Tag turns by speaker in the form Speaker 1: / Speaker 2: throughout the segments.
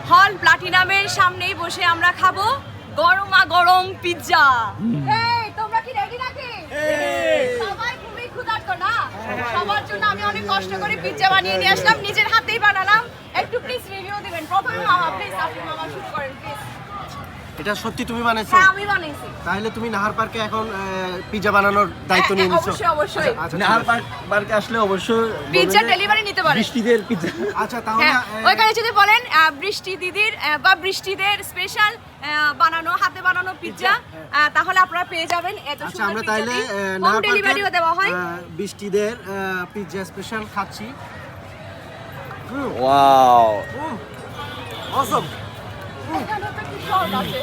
Speaker 1: হল প্লাটিনামের সামনেই বসে আমরা খাবো গরমা গরম পিৎজা। এই তোমরা কি রেডি নাকি? সবাই খুবই ক্ষুধার্ত না? সবার জন্য আমি অনেক কষ্ট করে পিৎজা বানিয়ে নিয়ে আসলাম, নিজের হাতেই বানালাম। একটু প্লিজ রিভিউ দিবেন। প্রথমে মামা প্লিজ, আপনি মামা শুরু করেন প্লিজ।
Speaker 2: এটা সত্যি তুমি বানাইছো?
Speaker 1: হ্যাঁ আমি বানাইছি।
Speaker 2: তাহলে তুমি নাহার পার্কে এখন পিৎজা বানানোর দায়িত্ব নিয়ে নিছো?
Speaker 1: অবশ্যই অবশ্যই।
Speaker 2: আচ্ছা,
Speaker 3: নাহার পার্কে আসলে অবশ্যই
Speaker 1: পিৎজা ডেলিভারি নিতে পারেন।
Speaker 3: বৃষ্টিদের পিৎজা।
Speaker 2: আচ্ছা তাহলে
Speaker 1: হ্যাঁ, ওইখানে যদি বলেন বৃষ্টি দিদির বা বৃষ্টিদের স্পেশাল বানানো হাতে বানানো পিৎজা, তাহলে আপনারা পেয়ে যাবেন এত
Speaker 2: আচ্ছা
Speaker 1: সুন্দর
Speaker 2: আমরা
Speaker 1: পিৎজা।
Speaker 2: তাইলে
Speaker 1: হোম
Speaker 2: নাহার
Speaker 1: ডেলিভারিও দেওয়া হয়।
Speaker 2: বৃষ্টিদের পিৎজা স্পেশাল খাচ্ছি।
Speaker 3: Wow
Speaker 2: awesome.
Speaker 1: এখানে তো কি সব আছে।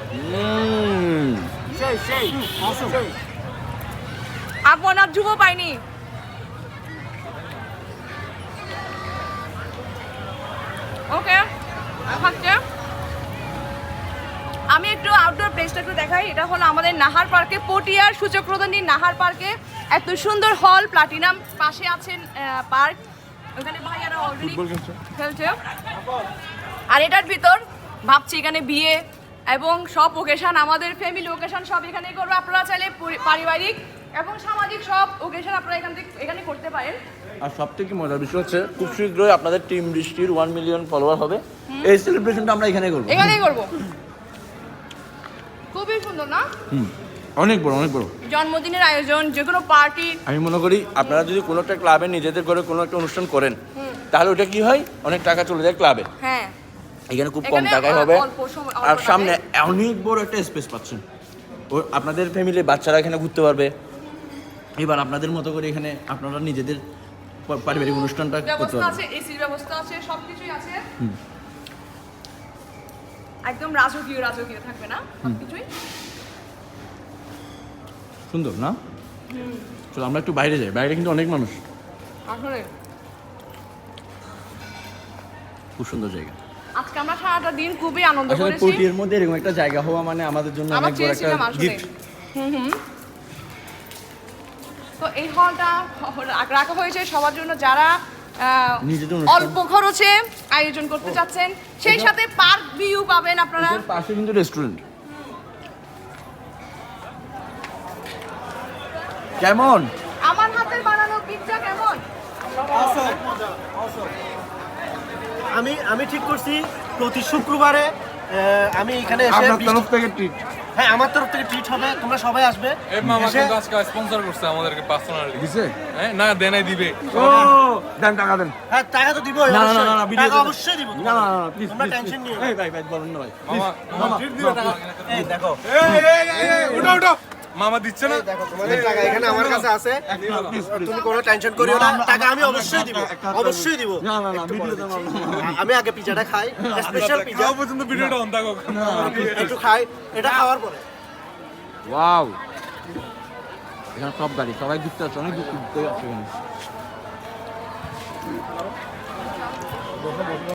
Speaker 2: সেই অসম।
Speaker 1: আপনার যুব পাইনি। ওকে খাচ্ছে। আমি একটু আউটডোর প্লেসটা একটু দেখাই। এটা হলো আমাদের নাহার পার্কে, পটিয়ার সূচক্রদণ্ডী নাহার পার্কে এত সুন্দর হল প্লাটিনাম, পাশে আছেন পার্ক, ওখানে ভাইয়ারা অলরেডি খেলছে। আর এটার ভিতর ভাবছি এখানে বিয়ে এবং সব ওকেশন, আমাদের ফ্যামিলি ওকেশন সব এখানে করবো। আপনারা চাইলে পারিবারিক এবং সামাজিক সব ওকেশন আপনারা এখানে করতে পারেন।
Speaker 3: আর সবথেকে মজার বিষয় হচ্ছে খুব শীঘ্রই আপনাদের টিম বৃষ্টির 1 মিলিয়ন ফলোয়ার হবে। এই সেলিব্রেশনটা আমরা এখানে করব।
Speaker 1: এখানেই করবো। খুবই সুন্দর না?
Speaker 3: অনেক বড় অনেক বড়
Speaker 1: জন্মদিনের আয়োজন, যে কোনো পার্টি।
Speaker 3: আমি মনে করি আপনারা যদি কোনো একটা ক্লাবে নিজেদের করে কোনো একটা অনুষ্ঠান করেন, তাহলে ওটা কি হয়, অনেক টাকা চলে যায় ক্লাবে।
Speaker 1: হ্যাঁ,
Speaker 3: এখানে খুব কম
Speaker 1: এখানে
Speaker 3: টাকায় হবে।
Speaker 1: অল্প সময়, অল্প
Speaker 3: আর
Speaker 1: টাকায়।
Speaker 3: সামনে অনেক বড় একটা স্পেস পাচ্ছেন। ও আপনাদের ফ্যামিলির বাচ্চারা এখানে ঘুরতে পারবে। এবার আপনাদের মতো করে এখানে আপনারা নিজেদের পারিবারিক অনুষ্ঠানটা করতে
Speaker 1: ব্যবস্থা
Speaker 3: পারবেন।
Speaker 1: আছে, এসির ব্যবস্থা আছে, সবকিছুই আছে। একদম রাজকীয় রাজকীয় থাকবে না সবকিছুই।
Speaker 3: সুন্দর না? চলো আমরা একটু বাইরে যাই, বাইরে কিন্তু অনেক মানুষ।
Speaker 1: আসলে
Speaker 3: খুব সুন্দর জায়গা।
Speaker 1: আজকে আমরা সারাটা দিন খুবই আনন্দ
Speaker 3: আসলে
Speaker 1: করেছি।
Speaker 3: পটিয়ার মধ্যে এরকম একটা জায়গা হওয়া মানে আমাদের জন্য
Speaker 1: আমরা
Speaker 3: অনেক বড় একটা
Speaker 1: চেয়েছিলাম আসলে।
Speaker 3: গিফট।
Speaker 1: তো এই হলটা রাখা হয়েছে সবার জন্য যারা
Speaker 3: নিজেদের অনুষ্ঠান।
Speaker 1: অল্প খরচে আয়োজন করতে চাচ্ছেন, সেই সাথে পার্ক ভিউ পাবেন আপনারা।
Speaker 3: এর পাশে কিন্তু রেস্টুরেন্ট। কেমন?
Speaker 1: আমার হাতের বানানো পিৎজা কেমন?
Speaker 2: আমি ঠিক করছি প্রতি শুক্রবারে আমি এখানে এসে
Speaker 3: আপনার তরফ থেকে ট্রিট।
Speaker 2: হ্যাঁ আমার তরফ থেকে ট্রিট হবে, তোমরা সবাই আসবে।
Speaker 4: এই মামা কিন্তু আজকে স্পন্সর করছে আমাদেরকে পার্সোনালি।
Speaker 3: দিছে?
Speaker 4: হ্যাঁ না দেনাই দিবে।
Speaker 3: ও দেন টাকা দেন।
Speaker 2: হ্যাঁ টাকা তো দিবই,
Speaker 3: না না
Speaker 2: অবশ্যই।
Speaker 3: না না ভিডিও
Speaker 2: টাকা অবশ্যই দিব।
Speaker 3: না না না প্লিজ
Speaker 2: তোমরা টেনশন নিও না।
Speaker 3: এই ভাই ভাই বলুন না ভাই।
Speaker 4: মামা মামা ট্রিট দিবে টাকা।
Speaker 2: এই দেখো,
Speaker 4: উঠো উঠো। মামা দিচ্ছে না?
Speaker 2: এই দেখো তোমাদের টাকা এখানে আমার কাছে আছে, তুমি কোনো টেনশন করিও না, টাকা আমি অবশ্যই দিব, অবশ্যই দিব।
Speaker 3: না না না ভিডিও দেন।
Speaker 2: আমি আগে পিজাটা খাই, স্পেশাল পিজা
Speaker 4: যাও পর্যন্ত ভিডিওটা অন থাকুক।
Speaker 2: একটু খাই, এটা খাওয়ার পরে।
Speaker 3: ওয়াও, এখানে সব গাড়ি সবাই ঘুরতে আছে, অনেক ঘুরতে আছে এখানে।